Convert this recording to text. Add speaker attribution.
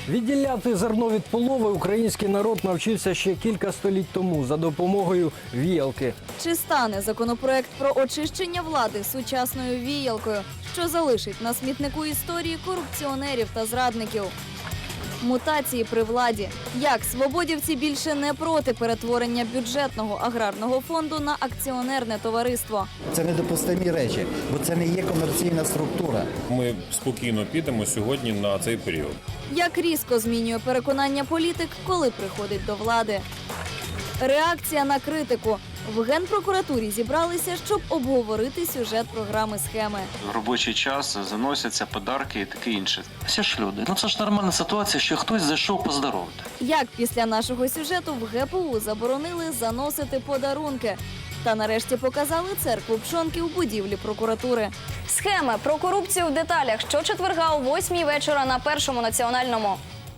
Speaker 1: Відділяти зерно від полови український народ навчився ще кілька століть тому за допомогою віялки.
Speaker 2: Чи стане законопроект про очищення влади сучасною віялкою, що залишить на смітнику історії корупціонерів та зрадників? Мутації при владі. Як свободівці більше не проти перетворення бюджетного аграрного фонду на акціонерне товариство?
Speaker 3: Це недопустимі речі, бо це не є комерційна структура.
Speaker 4: Ми спокійно підемо сьогодні на цей період.
Speaker 2: Як різко змінює переконання політик, коли приходить до влади? Реакція на критику. В Генпрокуратурі зібралися, щоб обговорити сюжет програми «Схеми».
Speaker 5: В робочий час заносяться подарки і таке інше.
Speaker 6: Всі ж люди. Ну це ж нормальна ситуація, що хтось зайшов поздоровити.
Speaker 2: Як після нашого сюжету в ГПУ заборонили заносити подарунки. Та нарешті показали церкву пшонки в будівлі прокуратури.
Speaker 7: Схеми про корупцію в деталях щочетверга о 8-й вечора на Першому національному.